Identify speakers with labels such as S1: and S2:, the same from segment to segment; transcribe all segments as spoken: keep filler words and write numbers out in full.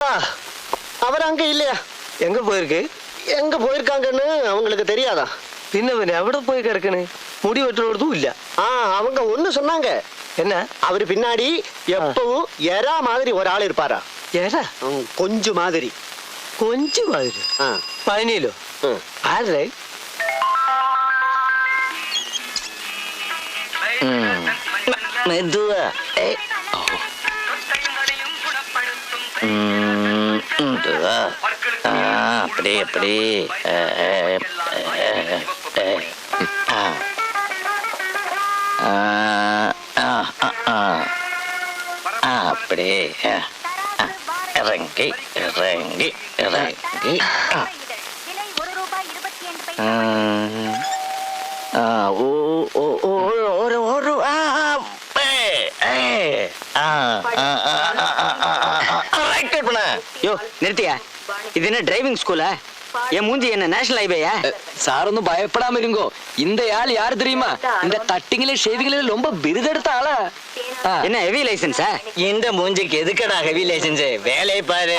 S1: அவர் அங்க இல்லையா?
S2: எங்க போயிருக்கு?
S1: எங்க போயிருக்காங்கன்னு அவங்களுக்கு தெரியாதா?
S2: பின்ன பின்ன எവിടെ போய் கிடக்குன்னு முடி வெட்டுறதும் இல்ல.
S1: ஆ அவங்க ஒண்ணு சொன்னாங்க.
S2: என்ன?
S1: அவரு பின்னாடி எப்பவும் எறா மாதிரி ஒரு ஆள் இருப்பாரா?
S2: எறா?
S1: கொஞ்சம் மாதிரி.
S2: கொஞ்சம் மாதிரி? பழனியிலோ? ஆறு மெதுவா அப்படி அப்படி அப்படி இறங்கி இறங்கி இறங்கி ஒரு யோ நிறுத்தியா? இது என்ன டிரைவிங் ஸ்கூலா? என் மூஞ்சி என்ன நேஷனல் ஹைவேயா?
S3: சார் ஒன்னும் பயப்படாம இருங்கோ. இந்த ஆள் யாரு தெரியுமா? இந்த கட்டிங்களே ஷேவிங்களே ரொம்ப பிருதெடுத்த ஆளா.
S1: என்ன ஹெவி லைசன்ஸா?
S2: இந்த மூஞ்சிக்கு எதுக்கடா ஹெவி லைசன்ஸ்? வேலையை பாரு.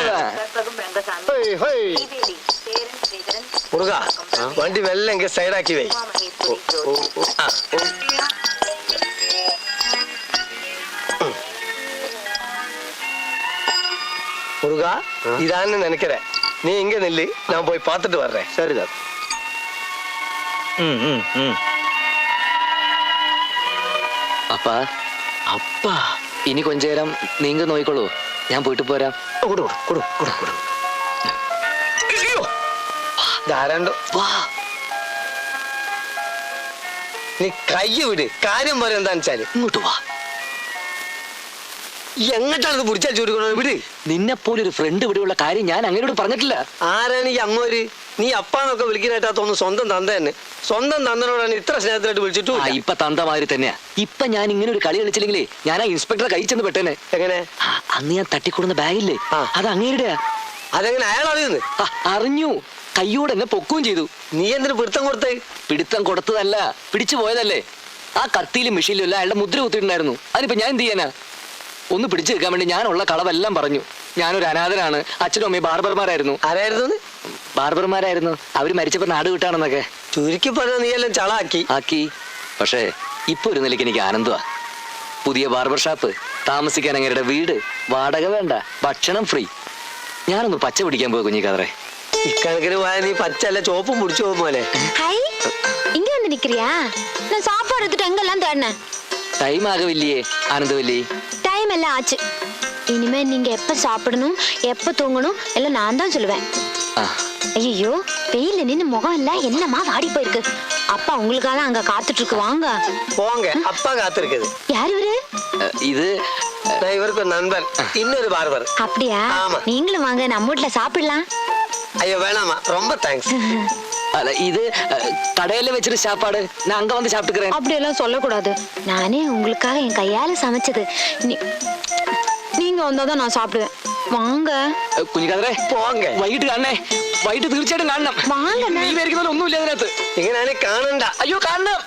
S2: முருகா வண்டி வெள்ள இங்க சைடாக்கி வை. முருகா இதான்னு நினைக்கிறேன். நீ இங்க நில்லு, நான் போய் பார்த்துட்டு வர்றேன்.
S1: சரிதான்.
S3: அப்பா
S2: அப்பா
S3: ഇനി കൊഞ്ച നേരം നീങ്ക നോയിക്കോളൂ, ഞാൻ പോയിട്ട് പോരാം.
S2: നീ കൈ വിട്. കാര്യം പറയാൻ എന്താ വെച്ചാല്
S3: ഇങ്ങോട്ട് വാ.
S2: എങ്ങോട്ടാണ് പിടിച്ചാൽ ചോദിക്കണത്? വിട്.
S3: നിന്നെ പോലെ ഒരു ഫ്രണ്ട് ഇവിടെയുള്ള കാര്യം ഞാൻ അങ്ങനോട് പറഞ്ഞിട്ടില്ല.
S2: ആരാണ് ഈ അങ്ങോര്? നീ അപ്പാന്നൊക്കെ വിളിക്കാനായിട്ടാ തോന്നുന്നു. സ്വന്തം തന്ത തന്നെ. സ്വന്തം തന്തനോടാണ് ഇത്ര സ്നേഹത്തിലായിട്ട് വിളിച്ചിട്ടു.
S3: ഇപ്പൊ തന്തമാതിരി തന്നെയാ. ഇപ്പൊ ഞാൻ ഇങ്ങനെ ഒരു കളി കളിച്ചില്ലെങ്കിലേ ഞാൻ ആ ഇൻസ്പെക്ടറെ കൈ ചെന്ന് പെട്ടേനെ.
S2: എങ്ങനെ?
S3: അന്ന് ഞാൻ തട്ടിക്കൊടുന്ന ബാഗില്ലേ, അത് അങ്ങേരുടെ.
S2: അതെങ്ങനെ അയാൾ അറിയുന്നു?
S3: അറിഞ്ഞു. കയ്യോടെ എന്നെ പൊക്കുകയും ചെയ്തു.
S2: നീ എന്തിനു പിടുത്തം കൊടുത്തേ?
S3: പിടുത്തം കൊടുത്തതല്ല, പിടിച്ചു പോയതല്ലേ. ആ കത്തിയിലും മിഷീലും അല്ല അയാളുടെ മുദ്ര കുത്തിയിട്ടുണ്ടായിരുന്നു. അതിനിപ്പോ ഞാൻ എന്ത് ചെയ്യാനാ? ഒന്ന് പിടിച്ചു വെക്കാൻ വേണ്ടി ഞാനുള്ള കളവെല്ലാം പറഞ്ഞു. ഞാനൊരു അനാഥനാണ്, അച്ഛനും അമ്മയും ബാർബർമാരായിരുന്നു.
S2: ആരായിരുന്നു?
S3: ബാർബർമാരായിരുന്നു. അവര് മരിച്ചപ്പോ നാട് വിട്ടാണെന്നൊക്കെ.
S2: ചുരുക്കി പറഞ്ഞ നീ എല്ലാം ചളാക്കി
S3: ആക്കി. പക്ഷേ ഇപ്പൊ ഒരു നിലയ്ക്ക് എനിക്ക് ആനന്ദമാ. പുതിയ ബാർബർ ഷാപ്പ്, താമസിക്കാൻ അങ്ങേരുടെ വീട്, വാടക വേണ്ട, ഭക്ഷണം ഫ്രീ. ഞാനൊന്ന് പച്ച പിടിക്കാൻ പോയി കുഞ്ഞിക്കാതറേ.
S2: ഇക്കണക്കിന് പോയാൽ നീ പച്ചല്ല ചോപ്പും പിടിച്ചു പോകും പോലെ.
S4: இங்க வந்து நிக்கிறியா? நான் சாப்பாடு எடுத்துட்டு எங்கெல்லாம் தேடினேன்.
S3: டைம் ஆகவில்லையே ஆனந்தவல்லி.
S4: டைம் எல்லாம் ஆச்சு. இனிமே நீங்க எப்ப சாப்பிடணும் எப்ப தூங்கணும் எல்லாம் நான் தான் சொல்லுவேன். ஐயோ வெயில நின்னு முகம் எல்லாம் என்னமா வாடி போயிருக்கு. அப்பா உங்களுக்காக அங்க காத்துட்டு இருக்கு, வாங்க
S2: போங்க. அப்பா காத்திருக்குது.
S4: யார் இவரு?
S3: இது
S2: இவருக்கு ஒரு நண்பன், இன்னொரு பார்பர்.
S4: அப்படியா? நீங்களும் வாங்க, நம்ம வீட்டுல சாப்பிடலாம்.
S2: ஐயோ வேணாமா, ரொம்ப தேங்க்ஸ்.
S3: അല്ല ഇത് കടയില് വെച്ചിട്ട് സാപ്പാട് ഞാൻ അങ്ക വന്ന് സാപ്പിട്ടുக்கிறேன்.
S4: அப்படியெல்லாம் சொல்லக்கூடாது. நானே உங்களுக்காக என் கையால சமைச்சது. நீங்க வந்தாதான் நான் சாப்பிடுவேன். வாங்க
S3: കുഞ്ഞിക്കാതറേ,
S2: പോങ്ങ.
S3: വൈകിട്ട് കാണണേ. വൈകിട്ട് തീർച്ചയായിട്ടും കാണണം.
S4: വാങ്ങ.
S3: നീ വിചാരിക്കുന്ന ഒന്നുമില്ല അതിനകത്ത്.
S2: ഇങ്ങനെ കാണണ്ട.
S3: അയ്യോ കാണണം.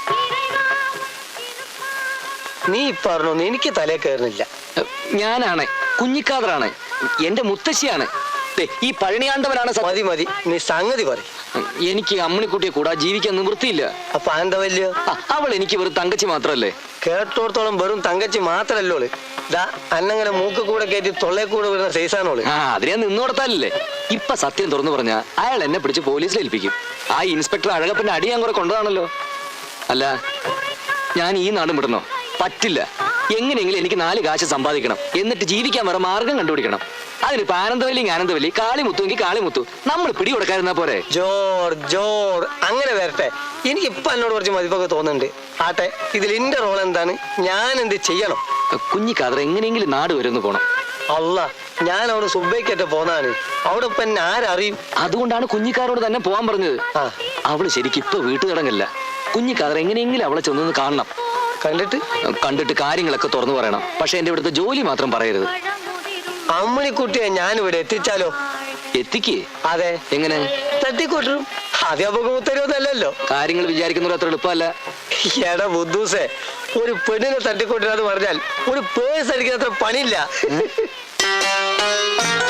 S2: നീ പറഞ്ഞു എനിക്ക് തലേ കയറുന്നില്ല.
S3: ഞാനാണ് കുഞ്ഞിക്കാതറാണ്, എന്റെ മുത്തശ്ശിയാണ്. ഈ പഴനിയാണ്ടവനാണ്.
S2: മതി മതി, നീ സംഗതി പറ.
S3: എനിക്ക് അമ്മണിക്കുട്ടിയെ കൂടാ ജീവിക്കാൻ നിവൃത്തിയില്ല.
S2: അപ്പൊ ആനന്ദവല്ലിയോ?
S3: അവൾ എനിക്ക് വെറും തങ്കച്ചി മാത്രല്ലേ.
S2: കേട്ടോടത്തോളം വെറും തങ്കച്ചി മാത്രല്ലോള്. ദാ അന്നങ്ങനെ മൂക്ക് കൂടെ കയറ്റി തൊള്ളേ കൂടെ വരുന്ന സൈസാണോള്.
S3: ആ അതിനെ നിന്നോടത്താലല്ലേ. ഇപ്പൊ സത്യം തുറന്നു പറഞ്ഞ അയാൾ എന്നെ പിടിച്ച് പോലീസിൽ ഏൽപ്പിക്കും. ആ ഇൻസ്പെക്ടർ അഴകപ്പന്റെ അടി ഞാൻ കുറെ കൊണ്ടതാണല്ലോ. അല്ല ഞാൻ ഈ നാടും വിടണോ? പറ്റില്ല. എങ്ങനെയെങ്കിലും എനിക്ക് നാല് കാശ് സമ്പാദിക്കണം, എന്നിട്ട് ജീവിക്കാൻ വേറെ മാർഗം കണ്ടുപിടിക്കണം. അതിനിപ്പോ ആനന്ദവല്ലി ആനന്ദവല്ലി, കാളിമുത്തുവെങ്കിൽ കാളിമുത്തു, നമ്മൾ പിടി കൊടുക്കാതിരുന്നാ പോരെ.
S2: ജോർ ജോർ അങ്ങനെ വരട്ടെ. എനിക്ക് ഇപ്പൊ എന്നോട് കുറച്ച് മതിപ്പൊക്കെ തോന്നുന്നുണ്ട്. ആട്ടെ, ഇതിൽ എന്റെ റോൾ എന്താണ്? ഞാൻ എന്ത് ചെയ്യണം?
S3: കുഞ്ഞിക്കാതറ എങ്ങനെയെങ്കിലും നാട് വരുന്നു പോണം.
S2: അല്ല, ഞാൻ അവിടെ സുബൈക്കറ്റ പോന്നാണ്. അവിടെ ഇപ്പൊ എന്നെ ആരറിയും?
S3: അതുകൊണ്ടാണ് കുഞ്ഞിക്കാരോട് തന്നെ പോവാൻ പറഞ്ഞത്. അവള് ശരിക്കും ഇപ്പൊ വീട്ടുകിടങ്ങല്ല. കുഞ്ഞിക്കാതറ എങ്ങനെയെങ്കിലും അവളെ ചെന്നൊന്ന് കാണണം.
S2: കണ്ടിട്ട്
S3: കണ്ടിട്ട് കാര്യങ്ങളൊക്കെ തുറന്നു പറയണം. പക്ഷെ എന്റെ ഇവിടുത്തെ ജോലി മാത്രം പറയരുത്.
S2: അമ്മണിക്കുട്ടിയെ ഞാൻ ഇവിടെ എത്തിച്ചാലോ?
S3: എത്തിക്കേ?
S2: അതെ.
S3: എങ്ങനെ?
S2: തട്ടിക്കൊട്ടും. അധ്യാപകം തരുമല്ലോ.
S3: കാര്യങ്ങൾ വിചാരിക്കുന്നത് അത്ര എളുപ്പമല്ല.
S2: എടാ ബുദ്ധൂസേ, ഒരു പെണ്ണിനെ തട്ടിക്കൊട്ടിരാന്ന് പറഞ്ഞാൽ ഒരു പേഴ്സ് അടിക്കുന്ന അത്ര പണിയില്ല.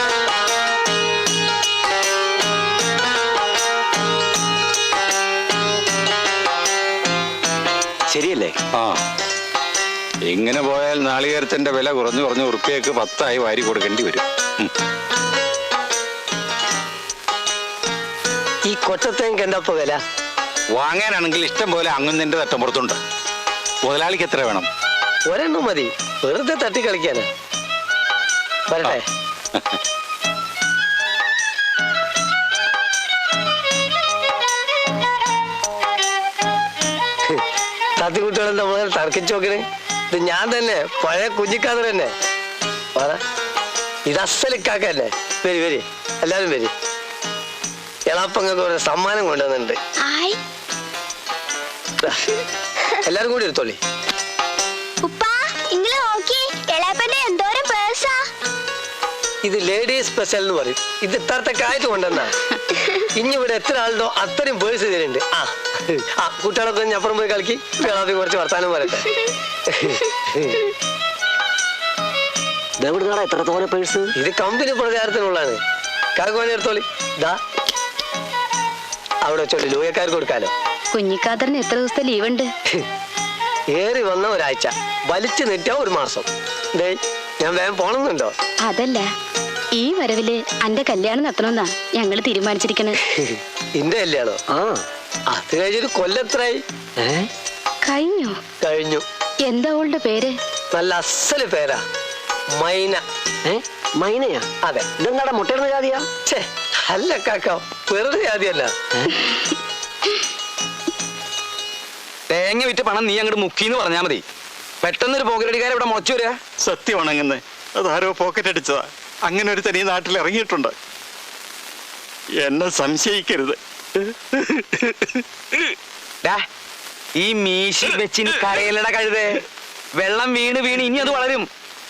S3: ശരിയല്ലേ?
S5: ആ, ഇങ്ങനെ പോയാൽ നാളികേരത്തിന്റെ വില കുറഞ്ഞു കുറഞ്ഞ് ഉറുപ്പിയക്ക് പത്തായി വാരി കൊടുക്കേണ്ടി വരും. ഉം.
S2: ഈ കൊച്ചത്തേക്ക് എന്താ ഇപ്പൊ വില?
S5: വാങ്ങാനാണെങ്കിൽ ഇഷ്ടം പോലെ അങ്ങുന്നതിന്റെ തട്ടമ്പുറത്തുണ്ട്. മുതലാളിക്ക് എത്ര വേണം?
S2: ഒരെണ്ണം മതി, വെറുതെ തട്ടി കളിക്കാനാ. വരട്ടെ. തത്തിക്കുട്ടികളും നമ്മൾ തർക്കിച്ചു നോക്കണേ. ഇത് ഞാൻ തന്നെ, പഴയ കുഞ്ഞിക്കാതർ തന്നെ. പറ, ഇത് അസലിക്കാക്ക തന്നെ. വരി വരി, എല്ലാരും വരി. എളാപ്പങ്ങൾക്ക് ഒരു സമ്മാനം കൊണ്ടുവന്നിട്ടുണ്ട്. എല്ലാരും കൂടി എടുത്തോളി. ഇത് ലേഡീസ് സ്പെഷ്യൽ എന്ന് പറയും. ഇത് ഇത്രത്തെ കാറ്റ് കൊണ്ടുവന്നാ. ഇനി ഇവിടെ എത്ര ആളുണ്ടോ അത്രയും പേഴ്സ് ഇതിലുണ്ട്. ആ ആ കുട്ടികളൊക്കെ ഒന്ന് അപ്പുറം പോയി കളിക്കി, കുട്ടികളാപ്പി കുറച്ച് വർത്താനം പറയട്ടെ.
S1: എത്ര തോനെ പേഴ്സ്?
S2: ഇത് കമ്പനി പ്രചാരത്തിനുള്ളതാണ്. കാക്കുവാണി എടുത്തോളി. ഇതാ അവിടെ വെച്ചോളി, ലൂയക്കാർക്ക് കൊടുക്കാലോ.
S4: കുഞ്ഞിക്കാതറിന് എത്ര ദിവസത്തെ ലീവ് ഉണ്ട്?
S2: ഏറി വന്ന ഒരാഴ്ച, വലിച്ചു നീട്ടിയ ഒരു മാസം. ദേ ഞാൻ വേഗം പോണമെന്നുണ്ടോ?
S4: അതല്ല, ഈ വരവില് അന്റെ കല്യാണം നടത്തണമെന്നാ ഞങ്ങള് തീരുമാനിച്ചിരിക്കണേ.
S2: ഇന്റെ കല്യാണോ?
S1: ആ,
S2: അത് കഴിഞ്ഞൊരു കൊല്ലത്രായി.
S4: കഴിഞ്ഞോ?
S2: കഴിഞ്ഞു.
S4: എന്താ അവളുടെ പേര്?
S2: നല്ല അസല് പേരാ, മൈന.
S1: ഏ മൈനയാ?
S2: അതെ.
S1: ഇതെന്താടാ മുട്ടയിടുന്ന ജാതിയാ?
S2: ഛേ, അല്ല കാക്ക, വെറുതെ ജാതിയല്ല.
S3: തേങ്ങ വിറ്റ് പണം നീ അങ്ങോട്ട് മുക്കിന്ന് പറഞ്ഞാ മതി. പെട്ടെന്നൊരു പോക്കറ്റടിക്കാരെ ഇവിടെ മുളച്ചു വരിക.
S5: സത്യമാണെങ്ങനെ അതാരോ പോക്കറ്റ് അടിച്ചതാ. അങ്ങനെ ഒരു തനി നാട്ടിൽ ഇറങ്ങിയിട്ടുണ്ട്. എന്നെ സംശയിക്കരുത്.
S3: ഈ മീശി വെച്ചിന് കരയിലട കഴുതേ. വെള്ളം വീണ് വീണ് ഇനി അത് വളരും.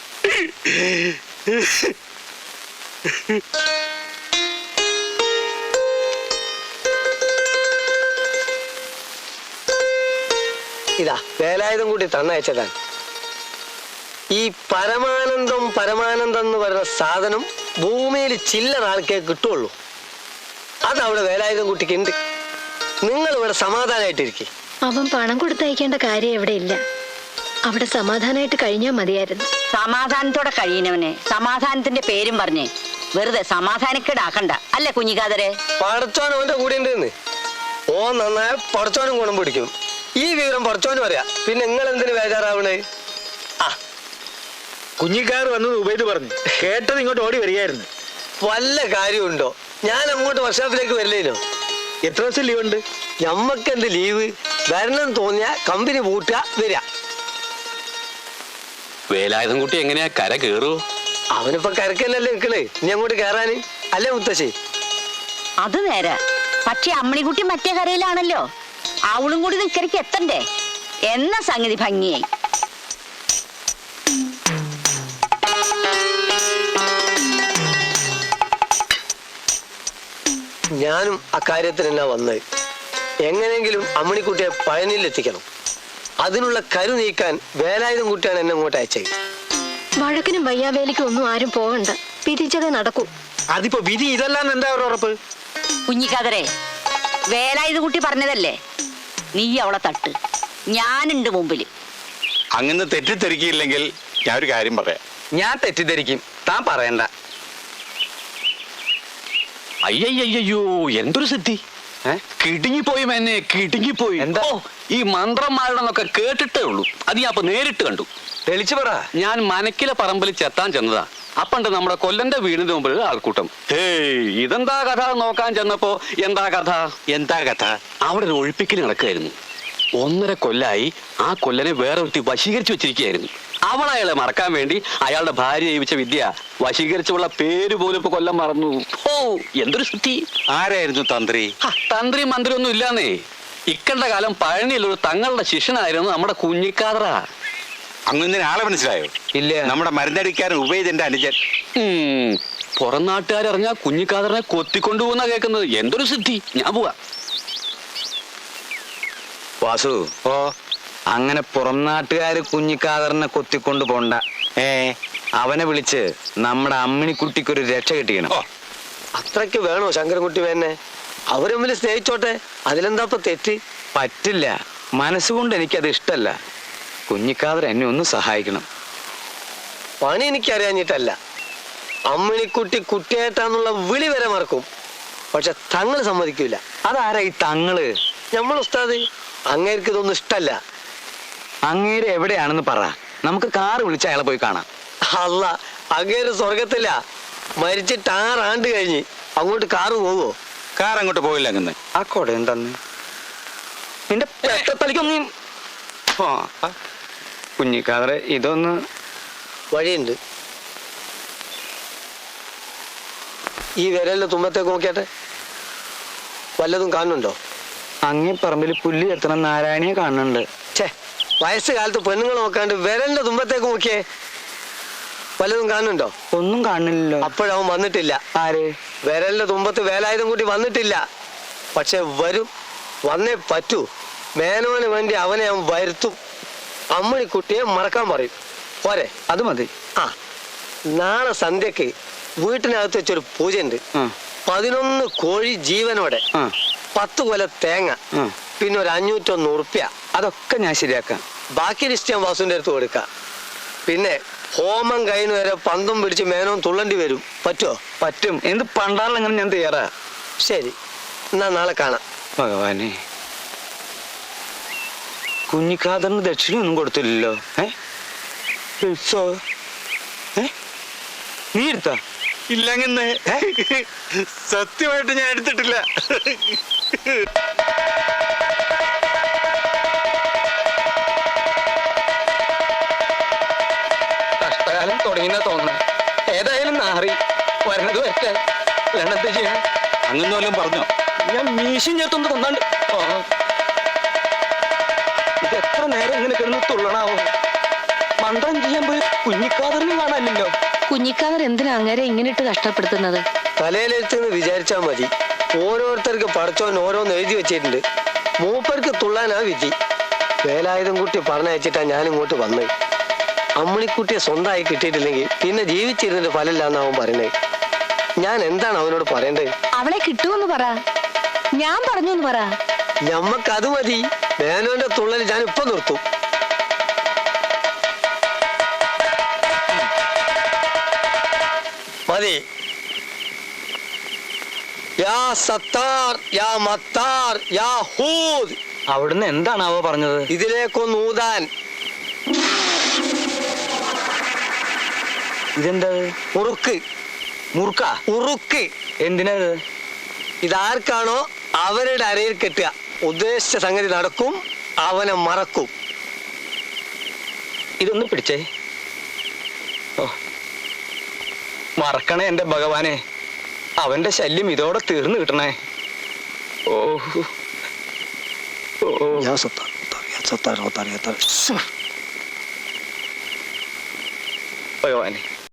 S2: ഇതാ വേലായുധം കൂട്ടി തന്നയച്ചതാണ്. ഈ പരമാനന്ദം പരമാനന്ദം എന്ന് പറയുന്ന സാധനം ഭൂമിയിൽ ചില്ലറ ആൾക്കേ കിട്ടുള്ളൂ. അതവിടെ വേലായുധം കുട്ടിക്ക് ഉണ്ട്. നിങ്ങൾ ഇവിടെ സമാധാനമായിട്ടിരിക്കും.
S6: അവൻ പണം കൊടുത്തയക്കേണ്ട കാര്യം എവിടെ ഇല്ല. അവിടെ സമാധാനമായിട്ട് കഴിഞ്ഞാൽ മതിയായിരുന്നു.
S7: സമാധാനത്തോടെ കഴിയുന്നവന് സമാധാനത്തിന്റെ പേരും പറഞ്ഞ് വെറുതെ സമാധാനക്കേടാക്കണ്ട. അല്ലേ കുഞ്ഞിക്കാതരെ?
S2: പടച്ചോൻ അവന്റെ കൂടെ ഉണ്ടെന്ന്. ഓ നന്നായ പടച്ചോനും ഗുണം പിടിക്കും. ഈ വിവരം പടച്ചോനും അറിയാം. പിന്നെ നിങ്ങൾ എന്തിനു ബേജാറാവണേ? ആ
S8: കുഞ്ഞിക്കാർ വന്നത് ഉപയോഗിച്ച് പറഞ്ഞു കേട്ടത് ഇങ്ങോട്ട് ഓടി വരികയായിരുന്നു.
S2: വല്ല കാര്യമുണ്ടോ? ഞാൻ അങ്ങോട്ട് വർക്ക്ഷോപ്പിലേക്ക് വരില്ലേനോ?
S8: എത്ര ദിവസം ലീവ് ഉണ്ട്?
S2: ഞമ്മക്ക് എന്ത് ലീവ്? വരണം തോന്നിയ കമ്പനി പൂട്ടുക, വരിക.
S3: വേലായുധം കുട്ടി എങ്ങനെയാ കര കേറൂ?
S2: അവനിപ്പോ കരക്കല്ലല്ലേ നിക്കണേ, ഇനി അങ്ങോട്ട് കേറാന്. അല്ലേ മുത്തശ്ശി?
S7: അത് നേരെ. പക്ഷെ അമ്മണിക്കുട്ടി മറ്റേ കരയിലാണല്ലോ. അവളും കൂടി നിക്കരയ്ക്ക് എത്തണ്ടേ എന്ന സംഗതി ഭംഗിയായി.
S2: ഞാനും അക്കാര്യത്തിനെന്നാ വന്നത്. എങ്ങനെയെങ്കിലും അമ്മണിക്കുട്ടിയെ പഴനിയിൽ എത്തിക്കണം. അതിനുള്ള കരു നീക്കാൻ വേലായുധം കുട്ടിയാണ് എന്നെ അങ്ങോട്ട് അയച്ചത്.
S6: വഴക്കിനും വയ്യാവേലിക്കും ഒന്നും ആരും പോകണ്ട. പിരിച്ചതേ നടക്കൂ.
S8: അതിപ്പോ വിധി ഇതല്ലാന്ന് എന്താ ഒരു ഉറപ്പ്?
S7: കുഞ്ഞിക്കാതരെ, വേലായുധ കുട്ടി പറഞ്ഞതല്ലേ, നീ അവളെ തട്ട്, ഞാനുണ്ട് മുമ്പില്.
S5: അങ്ങനെ തെറ്റിദ്ധരിക്കില്ലെങ്കിൽ ഞാൻ ഒരു കാര്യം പറയാം.
S3: ഞാൻ തെറ്റിദ്ധരിക്കും, താൻ പറയണ്ട. അയ്യയ്യോ, എന്തൊരു സിദ്ധി! കിടുങ്ങിപ്പോയി എന്നെ, കിടുങ്ങിപ്പോയി.
S2: എന്താ?
S3: ഓ, ഈ മന്ത്രന്മാരുടെന്നൊക്കെ കേട്ടിട്ടേ ഉള്ളൂ. അത് ഞാൻ അപ്പൊ നേരിട്ട് കണ്ടു.
S2: തെളിച്ചു പറ.
S3: ഞാൻ മനക്കിലെ പറമ്പിൽ ചെത്താൻ ചെന്നതാ. അപ്പണ്ട് നമ്മുടെ കൊല്ലന്റെ വീടിന് മുമ്പിൽ ആൾക്കൂട്ടം. ഹേയ്, ഇതെന്താ കഥ നോക്കാൻ ചെന്നപ്പോ എന്താ കഥ?
S5: എന്താ കഥ?
S3: അവിടെ ഒരു ഒഴിപ്പിക്കൽ നടക്കുകയായിരുന്നു. ഒന്നര കൊല്ലായി ആ കൊല്ലനെ വേറെ ഒരുത്തി വശീകരിച്ചു വെച്ചിരിക്കുകയായിരുന്നു. അവൾ അയാളെ മറക്കാൻ വേണ്ടി അയാളുടെ ഭാര്യ ജീവിച്ച വിദ്യ വശീകരിച്ചുള്ള പേര് പോലും ഇപ്പൊ കൊല്ലം മറന്നു. ഓ, എന്തൊരു ശുദ്ധി!
S5: ആരായിരുന്നു തന്ത്രി?
S3: തന്ത്രി മന്ത്രി ഒന്നും ഇല്ലാന്നേ. ഇക്കണ്ട കാലം പഴനിയിലൊരു തങ്ങളുടെ ശിഷ്യനായിരുന്നു നമ്മുടെ കുഞ്ഞിക്കാതറ.
S5: അങ്ങനെ ആളെ മനസ്സിലായോ?
S2: ഇല്ല.
S5: നമ്മുടെ മരുന്നടിക്കാരൻ ഉപയോഗിച്ചെന്റെ അനുജൻ.
S3: ഉം പുറം നാട്ടുകാരറിഞ്ഞാ കുഞ്ഞിക്കാതറിനെ കൊത്തിക്കൊണ്ടുപോകുന്ന കേൾക്കുന്നത്. എന്തൊരു സിദ്ധി! ഞാൻ പോവാ.
S9: വാസു,
S5: ഓ,
S9: അങ്ങനെ പുറം നാട്ടുകാര് കുഞ്ഞിക്കാതറിനെ കൊത്തിക്കൊണ്ട് പോണ്ട.
S5: ഏ
S9: അവനെ വിളിച്ച് നമ്മുടെ അമ്മിണിക്കുട്ടിക്കൊരു രക്ഷ കിട്ടിക്കണം.
S5: ഓ,
S2: അത്രയ്ക്ക് വേണോ ശങ്കരൻകുട്ടി വേന്നെ? അവര് തമ്മിൽ സ്നേഹിച്ചോട്ടെ, അതിലെന്താ ഇപ്പൊ തെറ്റ്?
S9: പറ്റില്ല. മനസ്സുകൊണ്ട് എനിക്കത് ഇഷ്ടല്ല. കുഞ്ഞിക്കാതർ എന്നെ ഒന്ന് സഹായിക്കണം.
S2: പണി എനിക്കറിയാഞ്ഞിട്ടല്ല. അമ്മിണിക്കുട്ടി കുട്ടിയേട്ടാന്നുള്ള വിളി വരെ മറക്കും. പക്ഷെ തങ്ങൾ സമ്മതിക്കൂല.
S9: അതാരാ ഈ തങ്ങള്?
S2: നമ്മൾ ഉസ്താദ്. അങ്ങേർക്ക് ഇതൊന്നും ഇഷ്ടല്ല.
S9: അങ്ങേര് എവിടെയാണെന്ന് പറ, നമുക്ക് കാറ് വിളിച്ച് അയാളെ പോയി കാണാം.
S2: അല്ല, അങ്ങേര് സ്വർഗത്തില്ല. മരിച്ചിട്ട് ആറാണ്ട് കഴിഞ്ഞ്. അങ്ങോട്ട് കാറ് പോവോ?
S5: കാർ അങ്ങോട്ട് പോയില്ല അങ്ങനെ.
S9: ആ കൊട എന്തെന്ന് നിന്റെ പെട്ടത്തലിക്കൊന്നും കുഞ്ഞിക്കാതറെ ഇതൊന്ന്
S2: വഴിയുണ്ട്. ഈ വിരലിന്റെ തുമ്പത്തേക്ക് നോക്കിയാട്ടെ, വല്ലതും കാണുന്നുണ്ടോ?
S9: അങ്ങേ പറമ്പിൽ പുല്ല് എത്തണ നാരായണിയെ കാണുന്നുണ്ട്.
S2: ഛേ, വയസ്സ് കാലത്ത് പെണ്ണുങ്ങൾ നോക്കാണ്ട് വിരലിന്റെ തുമ്പത്തേക്ക് നോക്കിയേ, വല്ലതും കാണുന്നുണ്ടോ?
S9: ഒന്നും കാണുന്നില്ലല്ലോ.
S2: അപ്പോഴവൻ വന്നിട്ടില്ല.
S9: ആര്?
S2: വിരലിന്റെ തുമ്പത്ത് വേലായുധം കൂട്ടി വന്നിട്ടില്ല. പക്ഷെ വരും, വന്നേ പറ്റൂ. മേനോന് വേണ്ടി അവനെ അവൻ വരുത്തും. അമ്മണിക്കുട്ടിയെ മറക്കാൻ പറയും. പോരെ?
S9: അത് മതി.
S2: ആ, നാളെ സന്ധ്യക്ക് വീട്ടിനകത്ത് വെച്ചൊരു പൂജയുണ്ട്.
S9: ആ,
S2: പതിനൊന്ന് കോഴി ജീവനോടെ,
S9: ആ,
S2: പത്ത് കൊല തേങ്ങ,
S9: ആ.
S2: പിന്നെ ഒരു അഞ്ഞൂറ്റൊന്ന് ഉറുപ്പ്യ.
S9: അതൊക്കെ ഞാൻ ശരിയാക്കാം.
S2: ബാക്കി ലിസ്റ്റ് വാസുവിന്റെ അടുത്ത് കൊടുക്കാം. പിന്നെ ഹോമം കഴിഞ്ഞ് വരെ പന്തും പിടിച്ച് മേനോൻ തുള്ളണ്ടി വരും. പറ്റുമോ?
S9: പറ്റും. എന്ത് പണ്ടാറിലെങ്ങനെ ഞാൻ തയ്യാറാ.
S2: ശരി, എന്നാ നാളെ കാണാം.
S9: ഭഗവാനെ, കുഞ്ഞിക്കാതറിന് ദക്ഷിണയൊന്നും കൊടുത്തില്ലല്ലോ. ഏ ഉത്സവ ഏ നീ എടുത്താ?
S5: ഇല്ലങ്ങനെ. സത്യമായിട്ട് ഞാൻ എടുത്തിട്ടില്ല.
S9: കഷ്ടകാലം തുടങ്ങിയെന്നാ തോന്നുന്നത്. ഏതായാലും നാറി വരണത് വരട്ടെ. വേണ്ടെന്ത് ചെയ്യണം?
S5: അങ്ങനെ വല്ലതും പറഞ്ഞോ?
S9: ഞാൻ മീശും ചേർത്തൊന്ന് കൊന്നാണ്ട്. ഇത് എത്ര നേരം ഇങ്ങനെ കിടന്ന് തുള്ളണാവോ? മന്ത്രം ചെയ്യാൻ പോയി കുഞ്ഞിക്കാതറിന് കാണാനില്ലല്ലോ.
S6: കുഞ്ഞിക്കാതർ എന്തിനാ അങ്ങേരെ ഇങ്ങനെ ഇട്ട് കഷ്ടപ്പെടുത്തുന്നത്?
S2: തലയിലെടുത്തെന്ന് വിചാരിച്ചാൽ മതി. ഓരോരുത്തർക്ക് പടച്ചോൻ ഓരോന്ന് എഴുതി വെച്ചിട്ടുണ്ട്. മൂപ്പർക്ക് തുള്ളാനാ വിധി. വേലായുധം കുട്ടി പറഞ്ഞയച്ചിട്ടാ ഞാൻ ഇങ്ങോട്ട് വന്നത്. അമ്മിണിക്കുട്ടിയെ സ്വന്തമായി കിട്ടിയിട്ടില്ലെങ്കിൽ പിന്നെ ജീവിച്ചിരുന്നിട്ട് ഫലമില്ലാന്ന് അവൻ പറയുന്നത്. ഞാൻ എന്താണ് അവനോട് പറയേണ്ടത്?
S6: അവളെ കിട്ടുമെന്ന് പറ. ഞാൻ പറഞ്ഞു എന്ന് പറ.
S2: ഞമ്മക്കത് മതി. മേനോന്റെ തുള്ളൽ ഞാൻ ഇപ്പൊ നിർത്തും. മതി. യാ സത്താർ, യാ മത്താർ, യാ ഹൂദ്.
S9: അവിടുന്ന് എന്താണാവോ പറഞ്ഞത്?
S2: ഇതിലേക്കൊന്ന് ഊതാൻ.
S9: ഇതെന്താ?
S2: ഉറുക്ക്.
S9: മുറുക്ക?
S2: ഉറുക്ക്.
S9: എന്തിനത്?
S2: ഇതാർക്കാണോ അവരുടെ അരയിൽ കെട്ടുക. ഉദ്ദേശിച്ച സംഗതി നടക്കും, അവനെ മറക്കും.
S9: ഇതൊന്ന് പിടിച്ചേ. ഓ, മറക്കണേ എന്റെ ഭഗവാനെ. അവന്റെ ശല്യം ഇതോടെ തീർന്നു കിട്ടണേ. ഓ ഓ
S2: യാ സത്താർ, യാ സത്താർ, യാ സത്താർ.
S9: ഭഗവാനെ,